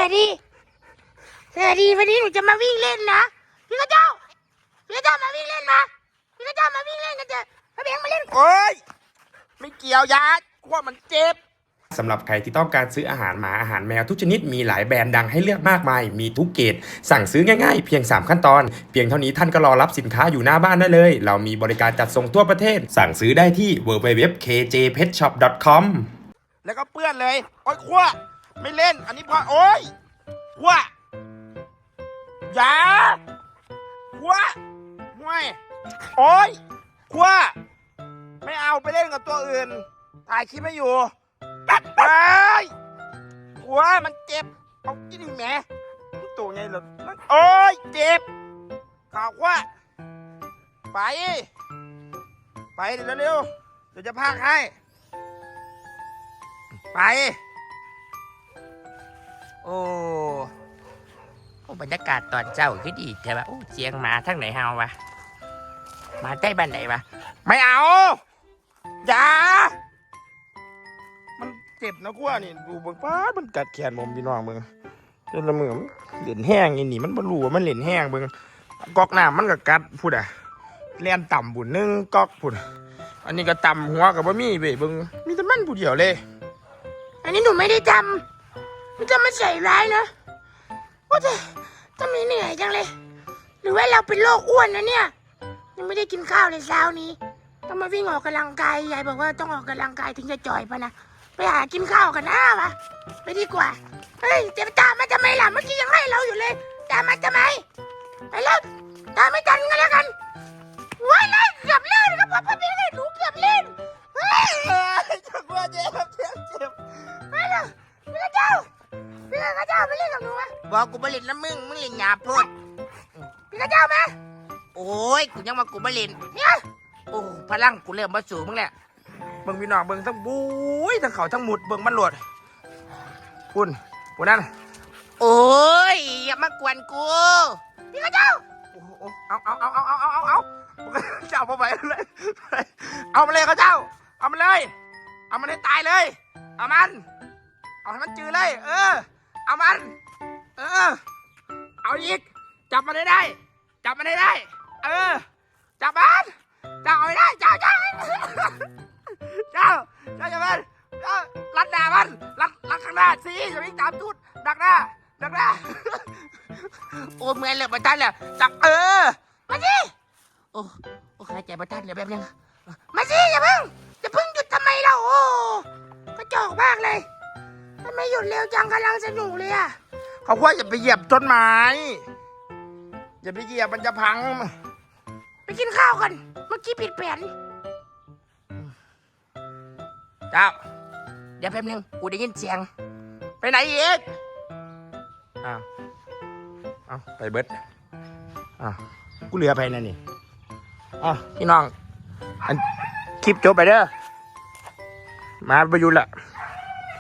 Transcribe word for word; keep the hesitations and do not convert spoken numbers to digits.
วัสดีสวัสดีวันนี้หนูจะมาวิ่งเล่นนะพี่กระเจ้าพี่กระเจ้ามาวิ่งเล่นมาพี่กระเจ้ามาวิ่งเล่นกันเถอะพระเบงมาเล่นโอ้ยไม่เกี่ยวยาขวดมันเจ็บสำหรับใครที่ต้องการซื้ออาหารหมาอาหารแมวทุกชนิดมีหลายแบรนด์ดังให้เลือกมากมายมีทุกเกรดสั่งซื้อง่ายๆเพียงสามขั้นตอนเพียงเท่านี้ท่านก็รอรับสินค้าอยู่หน้าบ้านได้เลยเรามีบริการจัดส่งทั่วประเทศสั่งซื้อได้ที่ ดับเบิลยู ดับเบิลยู ดับเบิลยู ดอท เค เจ เพท ช็อป ดอท คอม แล้วก็เปื้อนเลยโอ้ยขวดไม่เล่นอันนี้พอโอ้ยขวดยาขวดห่วยโอ้ยขวดไม่เอาไปเล่นกับตัวอื่นถ่ายคลิปไม่อยู่ตัดไปหัวมันเจ็บเอากินอีกแหมตัวไงล่ะโอ้ยเจ็บข่าวว่าไปไปเดี๋ยวเร็วเดี๋ยวจะพากให้ไปโอ้โอ้บรรยากาศตอนเจ้าคือดีแต่ว่าโอ้เสียงมาทั้งไหนเฮาวะมาใกล้บ้านไหนวะไม่เอาอย่ามันเจ็บนะกว่านี่ดูเบิ่งป้ามันกัดแขนผมพี่น้องเบิ่งจนละมือมันเหรียญแห้งอีนี่มันบ่รู้ว่ามันเหรียญแห้งเบิ่งกอกน้ำมันก็กัดพูดอ่ะแล่นต่ำบุญนึงกอกพูดอันนี้ก็ต่ำหัวกับบ่มีเว้ยเบิ่งมีแต่มันผู้เดียวเลยอันนี้หนูไม่ได้จำมันจะมาใส่ร้ายนะว่าจะจะมีเหนื่อยจังเลยหรือว่าเราเป็นโรคอ้วนนะเนี่ยยังไม่ได้กินข้าวเลยเช้านี้ต้องมาวิ่งออกกำลังกายยายบอกว่าต้องออกกำลังกายถึงจะจ่อยปะนะไปหากินข้าวกันนะวะไปดีกว่าเฮ้ยจะตามมาทำไมล่ะเมื่อกี้ยังไล่เราอยู่เลยตามมาทำไมไปแล้วตามไม่ทันกันแล้วกันว้ายเลยเกือบเล่นครับพ่อพ่อพี่เลยหนูเกือบเล่นเฮ้ยจังหวะเจ็บเจ็บเจ็บไปเลยพี่กระเจ้าพี่กระเจ้าไปเล่นกับหนูมะบอกกูมาเล่นน้ำมึงมึงเล่นหยาบพูดพี่กระเจ้ามาโอ้ยกูยังมากูมาเล่นเนี่ยโอ้พลังกูเริ่มมาสู่มึงแหละเบิ่งพี่น้องเบิ่งทั้งบุ้ยทั้งเขาทั้งหมุดเบิ่งมันหลวดคุณคุณนั่นโอ้ยอย่ามากวนกูพี่กระเจ้าโอ้โหเอาเอาเอาเอาเอาเอาเอาเอาเจ้ามาไปเลยเอามาเลยเขาเจ้าเอามาเลยเอามันให้ตายเลยเอามันเอาให้มันจืดเลยเออเอามันเออเอาอีกจับมันให้ได้จับมันให้ได้เออจับมันเจ้าเอาไม่ได้เจ้าเจ้าเจ้าเจ้าอย่ามันเจ้ารัดหน้ามันรัดรัดข้างหน้าสิอย่าวิ่งตามจุดดักหน้าดักหน้าโอ้เมื่อยเลยมาทันเลยจับเออมาสิโอ้โอ้หายใจมาทันเลยแบบยังมาสิอย่าเพิ่งจะเพิ่งหยุดทำไมเราโอ้กระจอกมากเลยทำไมหยุดเร็วจังกำลังสนุกเลยอะเขาว่าอย่าไปเหยียบต้นไม้อย่าไปเหยียบมันจะพังไปกินข้าวกันเมื่อกี้ผิดแผนเจ้าเดี๋ยวแป๊บนึงกูได้ยินเสียงไปไหนอีกอ้าวอ้าวไปเบิดอ้าวกูเหลือไปนั่นนี่อ้าวพี่น้องอันคลิปจบไปเด้อมาไปอยู่ละ